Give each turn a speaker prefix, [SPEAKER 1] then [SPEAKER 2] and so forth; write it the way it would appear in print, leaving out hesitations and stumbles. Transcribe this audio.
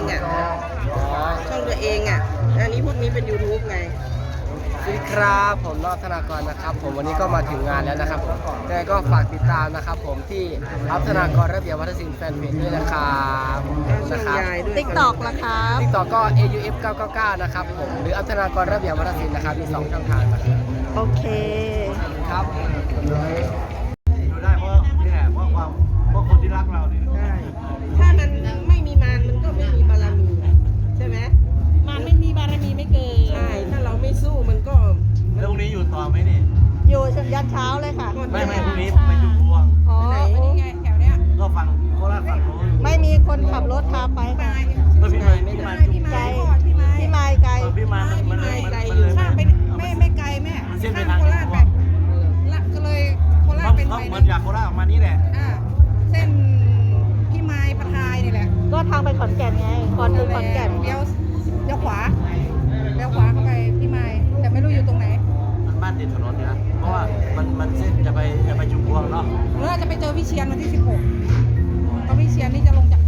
[SPEAKER 1] อ่ะช่องตัวเองอ่ะอันนี้พวกนี้เป็น YouTube ไง
[SPEAKER 2] สวัสดีครับผมนอกธนากรนะครับผมวันนี้ก็มาถึงงานแล้วนะครับยังไงก็ฝากติดตามนะครับผมที่อัพธนากรระเบียบวัฒนศิลป์แฟนเพจด้วยนะครับนะครับ
[SPEAKER 3] TikTok ล่ะครับ
[SPEAKER 2] TikTok ก็ AUF 999นะครับผมหรืออัพธนากรระเบียบวัฒนศิลป์นะครับมี2ช่องทางนะครับ
[SPEAKER 3] โอเค
[SPEAKER 2] ครับ
[SPEAKER 4] ดูได้เพราะนี่แหละเพราะคนที่รักเราเนี่ย
[SPEAKER 1] ใช่ถ้ามันไม่มีมารมันก็ไม่มีบารมีใช่ไหม
[SPEAKER 3] มันไม่มีบารมีไม่เกิน
[SPEAKER 1] ใช่ถ้าเราไม่สู้มันก็
[SPEAKER 4] แล้วพรุ่งนี้อยู่ต่อไหมนี่
[SPEAKER 3] อยู่ยันเช้าเลยค่ะ
[SPEAKER 4] ไม่พรุ่งนี้ไปจุดพวง
[SPEAKER 3] อ๋อ
[SPEAKER 1] นี่ไงแถวเนี้ย
[SPEAKER 4] ก็ฝั่งโคราชฝั่งโน้น
[SPEAKER 3] ไม่มีคนขับรถพาไปค่ะ
[SPEAKER 4] ก็พี่มายจุ่ม
[SPEAKER 3] ไกลพี่ไม้ไกล
[SPEAKER 4] พี่มายมันเลย
[SPEAKER 5] ข้ามไปไม่ไกลแม่
[SPEAKER 4] มันเส้นไป
[SPEAKER 5] ข้าม
[SPEAKER 4] ทาง
[SPEAKER 5] โคราชไปละก็เลยโคราชเป็น
[SPEAKER 4] เขา
[SPEAKER 5] ไป
[SPEAKER 4] เหมือ
[SPEAKER 5] นะ
[SPEAKER 4] นจากโคราชออกมานี่แหละ
[SPEAKER 5] เส้นพี่ไม้ปะทายนี่แหละ
[SPEAKER 3] ก็ทางไปขอนแก่นไงก่อนถึงขอนแก่น
[SPEAKER 5] เลี้ยวขวาเข้าไปพี่ไม้แต่ไม่รู้อยู่ตรงไหน
[SPEAKER 4] มันบ้านติดถนนเนี่ยนะเพราะว่ามันเส้นจะไปจุ่มพวงเนาะ
[SPEAKER 5] จะไปเจอพี่เชียนวันที่ 16เพราะพี่เชียนนี่จะลงจาก